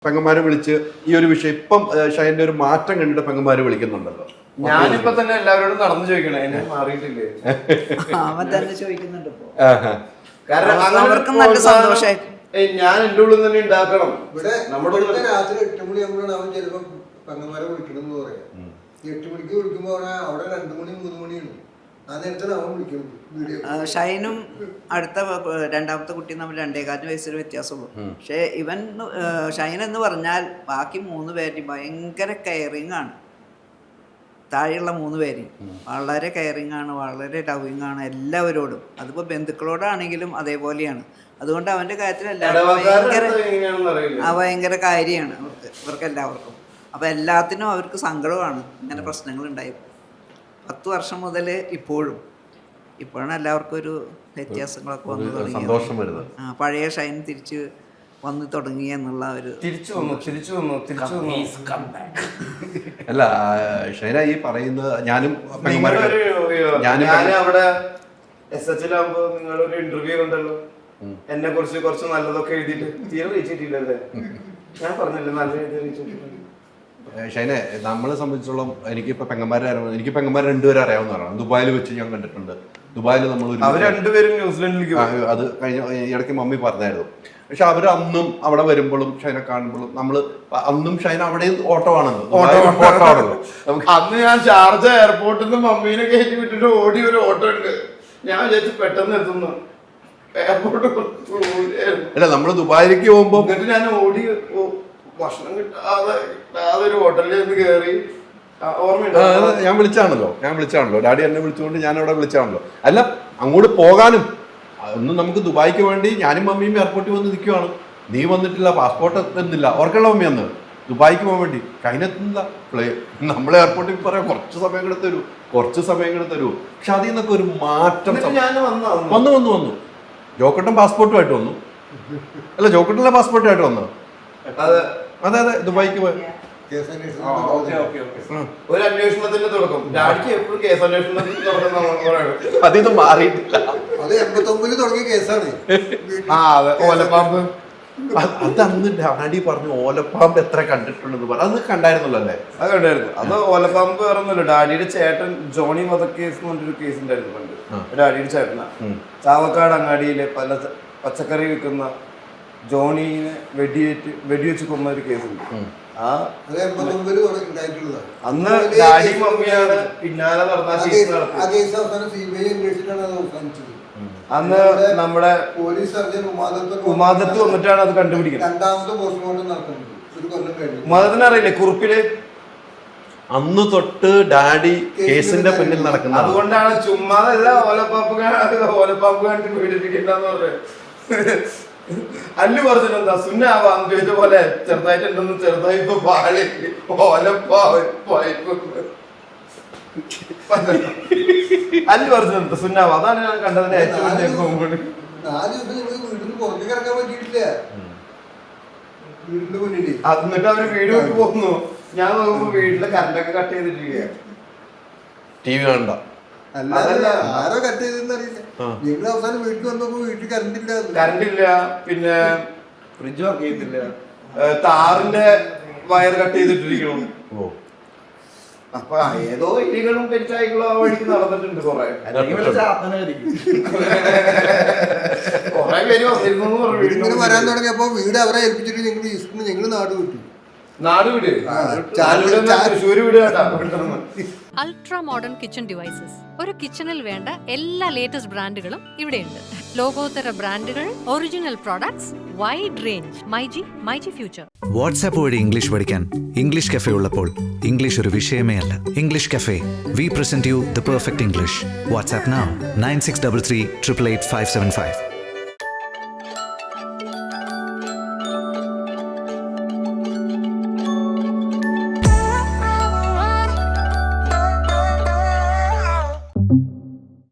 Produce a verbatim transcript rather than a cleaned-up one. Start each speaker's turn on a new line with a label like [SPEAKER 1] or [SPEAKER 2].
[SPEAKER 1] പെങ്ങന്മാരെ വിളിച്ച് ഈ ഒരു വിഷയം ഇപ്പം ഷൈൻ്റെ ഒരു മാറ്റം കണ്ടിട്ട് പെങ്ങന്മാര് വിളിക്കുന്നുണ്ടല്ലോ.
[SPEAKER 2] ഞാനിപ്പോ തന്നെ എല്ലാവരോടും നടന്നു ചോദിക്കണേ, എന്നെ മാറിയിട്ടില്ലേ
[SPEAKER 3] അവൻ തന്നെ ചോദിക്കുന്നുണ്ട്.
[SPEAKER 2] കാരണം
[SPEAKER 3] അവർക്കും നല്ല സന്തോഷമായി.
[SPEAKER 2] ഞാൻ എന്റെ ഉള്ളിൽ തന്നെ ഉണ്ടാക്കണം.
[SPEAKER 4] ഇവിടെ നമ്മുടെ രാത്രി എട്ട് മണിയാകുമ്പോഴാണ് അവൻ ചിലപ്പോ പെങ്ങന്മാരെ വിളിക്കണം എന്ന് പറയാം. എട്ട് മണിക്ക് വിളിക്കുമ്പോ അവിടെ രണ്ടു മണി മൂന്ന് മണിയാണ്. ആ നേരത്താണ് അവൻ വിളിക്കുന്നത്.
[SPEAKER 3] ഷൈനും അടുത്ത രണ്ടാമത്തെ കുട്ടി നമ്മൾ രണ്ടേകാലിന് വയസ്സിൽ വ്യത്യാസമുള്ളൂ. പക്ഷേ ഇവൻ ഷൈൻ എന്ന് പറഞ്ഞാൽ ബാക്കി മൂന്ന് പേരും ഭയങ്കര കെയറിങ് ആണ്. താഴെയുള്ള മൂന്ന് പേര് വളരെ കെയറിങ് ആണ്, വളരെ ലവിങ് ആണ് എല്ലാവരോടും. അതിപ്പോൾ ബന്ധുക്കളോടാണെങ്കിലും അതേപോലെയാണ്. അതുകൊണ്ട് അവൻ്റെ കാര്യത്തിൽ എല്ലാവരും ഭയങ്കര ആ ഭയങ്കര കാര്യമാണ് അവർക്ക് ഇവർക്ക് എല്ലാവർക്കും. അപ്പോൾ എല്ലാത്തിനും അവർക്ക് സങ്കടമാണ് ഇങ്ങനെ പ്രശ്നങ്ങൾ ഉണ്ടായപ്പോൾ. പത്ത് വർഷം മുതൽ ഇപ്പോഴും ഇപ്പോഴാണ് എല്ലാവർക്കും ഒരു വ്യത്യാസങ്ങളൊക്കെ വന്നു തുടങ്ങി. ആ പഴയ ഷൈൻ തിരിച്ച് വന്നു തുടങ്ങി എന്നുള്ള ഒരു
[SPEAKER 2] തിരിച്ചു വന്നു തിരിച്ചു വന്നു തിരിച്ചു വന്നു
[SPEAKER 1] അല്ല ഷൈന ഈ പറയുന്നത് ഞാനും
[SPEAKER 2] ഞാൻ അവിടെ എസ് എച്ചിലാകുമ്പോ നിങ്ങളൊരു ഇന്റർവ്യൂ ഉണ്ടല്ലോ, എന്നെ കുറിച്ച് കുറച്ച് നല്ലതൊക്കെ എഴുതിയിട്ട് തീരെ റീച്ചിട്ടില്ലല്ലേ? ഞാൻ പറഞ്ഞല്ലേ നല്ല എഴുതി റീച്ചിട്ടില്ല.
[SPEAKER 1] ഷൈനെ നമ്മളെ സംബന്ധിച്ചോളം എനിക്കിപ്പോ പെങ്ങന്മാരെ എനിക്ക് പെങ്ങന്മാരെ രണ്ടുപേരും അറിയാവുന്നതാണ്. ദുബായിൽ വെച്ച് ഞാൻ കണ്ടിട്ടുണ്ട്. ദുബായിൽ നമ്മൾ
[SPEAKER 2] രണ്ടുപേരും ന്യൂസിലൻഡിലേക്ക്
[SPEAKER 1] അത് കഴിഞ്ഞ ഇടയ്ക്ക് മമ്മി പറഞ്ഞായിരുന്നു. പക്ഷെ അവർ അന്നും അവിടെ വരുമ്പോഴും ഷൈനെ കാണുമ്പോഴും നമ്മള് അന്നും ഷൈന അവിടെ ഓട്ടോ ആണല്ലോ.
[SPEAKER 2] അന്ന് ഞാൻ ഷാർജ എയർപോർട്ടിൽ നിന്ന് മമ്മീനെ കയറ്റി വിട്ടിട്ട് ഓടി ഒരു ഓട്ടോ ഉണ്ട്. ഞാൻ വിചാരിച്ചു പെട്ടെന്ന് എത്തുന്നു എയർപോർട്ട്.
[SPEAKER 1] അല്ല നമ്മള് ദുബായിലേക്ക് പോകുമ്പോ
[SPEAKER 2] എന്നിട്ട് ഞാൻ ഓടി ഭക്ഷണം കിട്ടാതെ ഒരു ഹോട്ടലിൽ നിന്ന് കയറി.
[SPEAKER 1] ഞാൻ വിളിച്ചാണല്ലോ ഞാൻ വിളിച്ചാണല്ലോ ഡാഡി എന്നെ വിളിച്ചുകൊണ്ട് ഞാൻ അവിടെ വിളിച്ചാണല്ലോ. അല്ല അങ്ങോട്ട് പോകാനും ഒന്നും നമുക്ക് ദുബായിക്ക് വേണ്ടി ഞാനും മമ്മിയും എയർപോർട്ടിൽ വന്ന് നിൽക്കുവാണ്. നീ വന്നിട്ടില്ല, പാസ്പോർട്ട് എത്തുന്നില്ല. ഓർക്കുള്ള മമ്മി അന്ന് ദുബായിക്ക് പോകാൻ വേണ്ടി കഴിഞ്ഞെത്തുന്നില്ല. പ്ലേ നമ്മൾ എയർപോർട്ടിൽ പറയാം കുറച്ച് സമയം കൂടെ തരൂ കുറച്ച് സമയം കൂടെ തരൂ. പക്ഷെ അതിൽ നിന്നൊക്കെ ഒരു മാറ്റം വന്നു വന്നു വന്നു ജോക്കട്ടൻ പാസ്പോർട്ടുമായിട്ട് വന്നു. അല്ല ജോക്കട്ടനിലെ പാസ്പോർട്ടായിട്ട് വന്നു. അതെ അതെ ദുബായിക്ക് പോയി
[SPEAKER 2] ഒരു അന്വേഷണത്തിന്റെ തുടക്കം. ഡാഡിക്ക് എപ്പോഴും കേസ് അന്വേഷണത്തിന്റെ തുടക്കം
[SPEAKER 1] അതിന്ന് മാറിയിട്ടില്ല.
[SPEAKER 4] അത് എൺപത്തൊമ്പതിൽ തുടങ്ങിയ കേസാണ്.
[SPEAKER 2] ആ അതെ ഓലപ്പാമ്പ്.
[SPEAKER 1] അത് അന്ന് ഡാഡി പറഞ്ഞു ഓലപ്പാമ്പ് എത്ര കണ്ടിട്ടുണ്ടെന്ന് പറഞ്ഞു. അത് കണ്ടായിരുന്നല്ലോ അല്ലേ?
[SPEAKER 2] അത് കണ്ടായിരുന്നു. അത് ഓലപ്പാമ്പ് വേറൊന്നുമില്ല, ഡാഡിയുടെ ചേട്ടൻ ജോണി വധക്കേസ് എന്ന് പറഞ്ഞൊരു കേസ് ഉണ്ടായിരുന്നു പണ്ട്. ഡാഡിയുടെ ചേട്ടനാ ചാവക്കാട് അങ്ങാടിയിലെ പല പച്ചക്കറി വിൽക്കുന്ന ജോണിനെ വെടിയേറ്റ് വെടിവെച്ച് കൊന്ന ഒരു കേസുണ്ട്. ആ അന്ന് ഡാഡി മമ്മിയാണ് പിന്നാലെ നടന്ന അന്ന് നമ്മുടെ
[SPEAKER 4] പോലീസ് സർജൻ
[SPEAKER 2] ഉമാദത്ത് വന്നിട്ടാണ് അത് കണ്ടുപിടിക്കുന്നത്.
[SPEAKER 4] രണ്ടാമത്തെ പോസ്റ്റ്മോർട്ടം നടക്കുന്നത്
[SPEAKER 2] ഉമാദത്തിന് അറിയില്ലേ കുറിപ്പില്
[SPEAKER 1] അന്ന് തൊട്ട് ഡാഡി കേസിന്റെ പിന്നിൽ നടക്കുന്നത്.
[SPEAKER 2] അതുകൊണ്ടാണ് ചുമ്മാതല്ല ഓലപ്പാപ്പ് ഓലപ്പാപ്പ് കണ്ടിട്ട് പീഡിപ്പിക്കണ്ടെന്ന് പറഞ്ഞത്. അല്ലു പറഞ്ഞിട്ടെന്താ സുന്നാവാന്ന് ചോദിച്ച പോലെ ചെറുതായിട്ടുണ്ടെന്ന് ചെറുതായി ഇപ്പൊ പാല് ഓലപ്പാവ് അല്ലു പറഞ്ഞിട്ടുണ്ട് സുന്നാവ. അതാണ് ഞാൻ കണ്ടതിന് ഏറ്റവും വലിയ കോമഡി.
[SPEAKER 4] നാല് ദിവസം വീട്ടിൽ പുറത്തേക്ക് ഇറക്കാൻ പറ്റിയിട്ടില്ല. വീടിന്റെ മുന്നിൽ
[SPEAKER 2] എന്നിട്ട് അവര് വീട് വിട്ട് പോകുന്നു. ഞാൻ നോക്കുമ്പോ വീട്ടിലെ കറണ്ടൊക്കെ കട്ട് ചെയ്തിട്ടിരിക്കുക.
[SPEAKER 1] ടി വി കണ്ട
[SPEAKER 4] അല്ല ആരോ കട്ട് ചെയ്തെന്ന് അറിയില്ല. ഞങ്ങൾ അവസാനം വീട്ടിൽ വന്നപ്പോ വീട്ടിൽ കറണ്ട് ഇല്ല
[SPEAKER 2] കറണ്ട് ഇല്ല പിന്നെ ഫ്രിഡ്ജ് വർക്ക് ചെയ്തില്ല. താറിന്റെ വയർ കട്ട് ചെയ്തിട്ടിരിക്കണം. അപ്പൊ ഏതോ ഇലികളും പെരിച്ചായികളും ആ വഴിക്ക് നടന്നിട്ടുണ്ട്. കൊറേ കൊറേ പേര് വന്നിരുന്നു പറഞ്ഞു.
[SPEAKER 4] ഇങ്ങനെ വരാൻ തുടങ്ങിയപ്പോ വീട് അവരെ ഏൽപ്പിച്ചിട്ട് ഞങ്ങൾ ഈസ്റ്റിന് ഞങ്ങൾ നാട് വിട്ടു.
[SPEAKER 2] നാട് വീട് തൃശ്ശൂര് വീട് കേട്ടാ.
[SPEAKER 5] Ultra modern kitchen devices. ഒരു കിച്ചണിൽ വേണ്ട എല്ലാ ലേറ്റസ്റ്റ് ബ്രാൻഡുകളും ഇവിടെയുണ്ട്. ലോകോത്തര ബ്രാൻഡുകൾ, original products, wide range. MyG myG future.
[SPEAKER 6] WhatsApp വഴി ഇംഗ്ലീഷ് പഠിക്കാൻ ഇംഗ്ലീഷ് കഫേ ഉള്ളപ്പോൾ ഇംഗ്ലീഷ് ഒരു വിഷയമേ അല്ല. English cafe, we present you the perfect English. WhatsApp now nine six three three eight eight five seven five.